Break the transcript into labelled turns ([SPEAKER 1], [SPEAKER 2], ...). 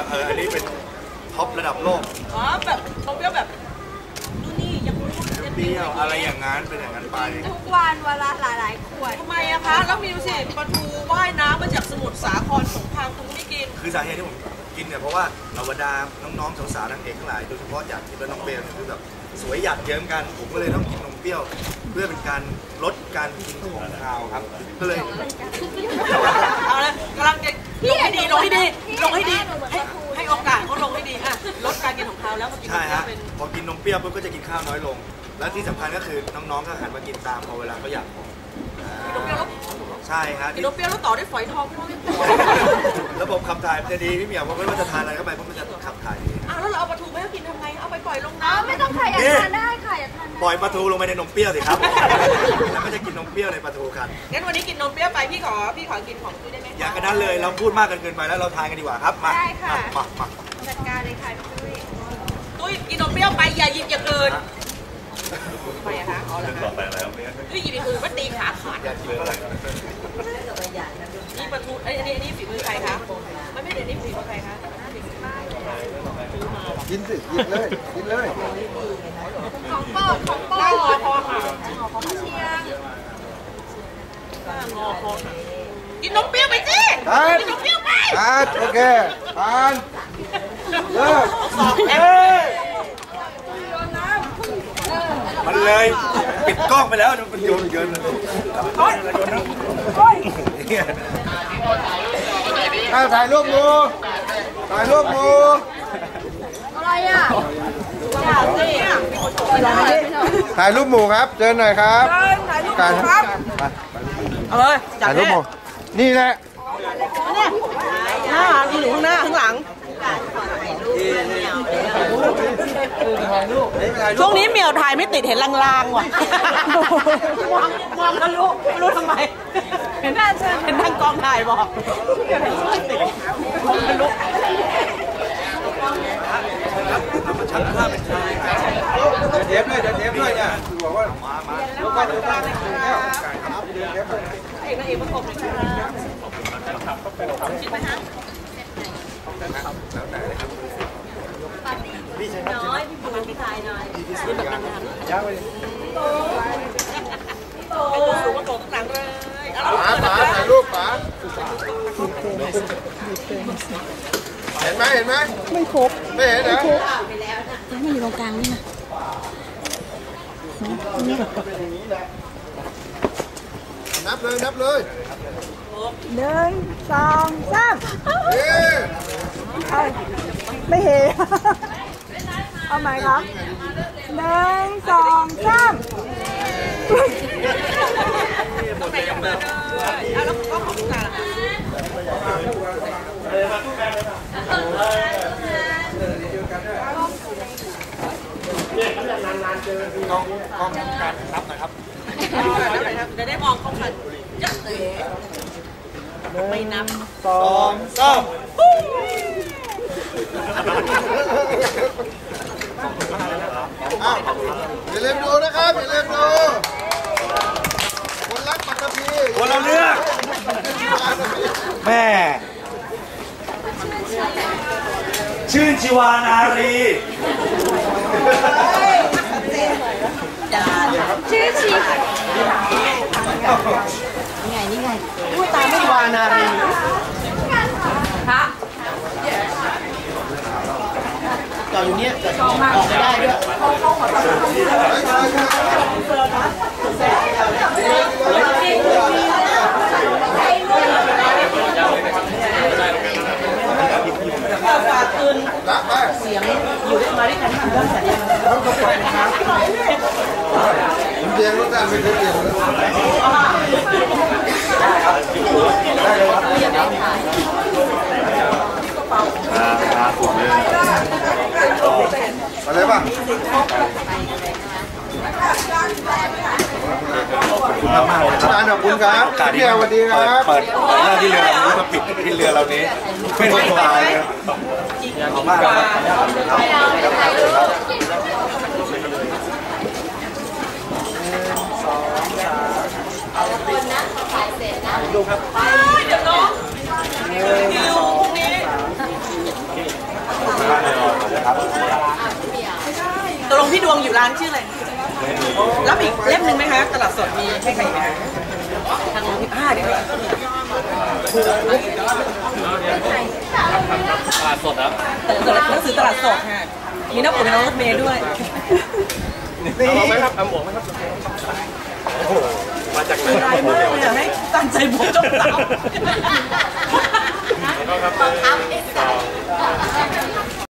[SPEAKER 1] อันนี้เป็นท็อประดับโลก
[SPEAKER 2] อ๋อแบบเขาเปรี้ยวแบบนี่ยัง
[SPEAKER 1] เปรี้ยวอะไรอย่างนั้นเป็นอย่างนั้นไป
[SPEAKER 3] ทุกวันเวลาหลายๆขวด
[SPEAKER 2] ทำไมอะคะแล้วมีดูสิปลาทูว่ายน้ำมาจากสมุทรสาครสงครามคุณไม่กิน
[SPEAKER 1] คือสาเหตุที่ผมกินเนี่ยเพราะว่าบรรดาน้องๆสาวๆนางเอกทั้งหลายโดยเฉพาะอยากกินแล้วน้องเบลคือแบบสวยหยาดเยิ้มกันผมก็เลยต้องกินนมเปรี้ยวเพื่อเป็นการลดการกินของคาวครับก็เลย
[SPEAKER 2] เอาละกำลังจะลงให้ดีให้โอกาสเขาลงให้ดีอะลดการกินของคาวแล้วพอกินนมเปรี้ยวเป็น
[SPEAKER 1] พอกินนมเปรี้ยวปุ๊บก็จะกินข้าวน้อยลงและที่สำคัญก็คือน้องๆก็หันมากินตามพอเวลาเขาอยาก
[SPEAKER 2] กินนมเปรี้ยวแล้ว
[SPEAKER 1] ใช่ฮะ
[SPEAKER 2] กินนมเปรี้ยวแล้วต่อด้วยฝอยทองพี่น้อง
[SPEAKER 1] ระบบขับถ่ายมันจะดีพี่เหมียวเพราะไม่ว่าจะทานอะไรเข้าไปเพราะมันจะขับถ่ายดี
[SPEAKER 2] แล้วเราเอาปลาทูไม่ให้กินทำไงเอาไปปล่อยลงน้ำ
[SPEAKER 3] ไม่ต้องค่ะอยากทานได้ค่ะอยากทาน
[SPEAKER 1] ปล่อยปลาทูลงไปในนมเปรี้ยวสิครับแล้วก็จะกินนมเปรี้ยวในปลาทูกัน
[SPEAKER 2] งั้นวันนี้กินนมเปรี้ยวไปพี่ขอกินของตุ้ยได้ไหม
[SPEAKER 1] อยากกันนั้นเลยเราพูดมากเกินไปแล้วเราทานกันดีกว่าครับมา
[SPEAKER 3] ได้ค่ะ
[SPEAKER 1] มา
[SPEAKER 3] จัดการเลยค่ะ
[SPEAKER 2] ตุ้ยกินนมเปรี้ยวไปอย่าหยิบอย่างอื่นไปอะคะเอาละค่ะตุ้ยหยิบอย่างอื่นก็ตีขาขาดนี่ปลาทูอันนี้ฝีมือใครคะไม่เดี๋ยวนี้ฝีมือใครคะ
[SPEAKER 1] กินสิกินเลย
[SPEAKER 3] ของโปรด
[SPEAKER 2] งอคอค่ะ
[SPEAKER 3] ของเชียง
[SPEAKER 2] งอคอค่ะกินนมเปรี้ยวไปสิกินนมเปรี้ยวไป
[SPEAKER 1] โอเคผ่านเลิกมันเลยปิดกล้องไปแล้วมันโยนถ่ายรูปงู
[SPEAKER 3] อะไรอ่ะ
[SPEAKER 1] ถ่ายรูปหมู่ครับเจอหน่อยครับ
[SPEAKER 2] ถ่ายรูปครับเอาเลย
[SPEAKER 1] ถ่ายรูปหมู่นี่แหละ
[SPEAKER 2] หน้าอยู่ข้างหน้าข้างหลังช่วงนี้เหมียวถ่ายไม่ติดเห็นลางๆว่ะมองทะลุไม่รู้ทำไมเห็นทางกองถ่ายบอกไม่ติดมองทะลุ
[SPEAKER 1] เทปเลยเนี่ยคือบอกว่ามา
[SPEAKER 2] เอกประกบเลยครับชิมไหมฮะน้อยพี่บุญพี่ชายหน่อยนี่แบบนานๆย่างไปไอ้ตัวสูงมาโกงข้างหลังเลย
[SPEAKER 1] ป๋าถ่ายรูปป๋าเห็นไหม
[SPEAKER 4] ไม่ครบ
[SPEAKER 1] ไม่เห็นนะ
[SPEAKER 4] ไม่อยู่ตรงกลางนี่นะ
[SPEAKER 1] นับเลย
[SPEAKER 4] 1 2 3ไม่เห็นเอาไหมครับ1 2 3
[SPEAKER 2] ต้องไหนยังเบอร์แล้วก็ของลูกค้าล่ะ
[SPEAKER 1] กล้องการนับนะครับ
[SPEAKER 2] จะได้มองเข้ากันจะเตะไม่นับ
[SPEAKER 1] 2 3อย่าลืมดูนะครับคนรักปัตตภีคนเราเลือกแม่ชื่นชีวานารี
[SPEAKER 3] ชื่อชี
[SPEAKER 4] นี่ไง
[SPEAKER 2] พูดตามไม่วานารีฮะต่ออยู่เนี่ยออกไม่ได้ด้วยฝากคืนเสียงอยู่ด้วยมาด้วยกันเรื่องสัญญา
[SPEAKER 1] เรียนรู้การไม่เคยเรียนอะไรป่ะขอบคุณมากเลยครับขอบคุณครับพี่สวัสดีครับเปิดหน้าที่เรือเรานี้ก็ปิดที่เรือเรานี้ไม่ต้องตายเลยขอบมาก
[SPEAKER 2] ดูครับเดี๋ยวน้องคิวพรุ่งนี้านชื่ออะไรรับอีกเล่มหนึ่งไหมคะตลาดสดมีให้ใครไหมคะทางเดี๋ยว
[SPEAKER 5] ตลาดสดครับ
[SPEAKER 2] หนังสือตลาดสดค่ะมีน้องผมน้องรถเมย์ด้วย
[SPEAKER 5] เอาไหมครับเอาหมวกไหมครับโอ้โหมาจากไหน
[SPEAKER 2] ร้ายมากเลยให้ตั้งใจบวกจบสาว
[SPEAKER 5] แล้วก็ครับ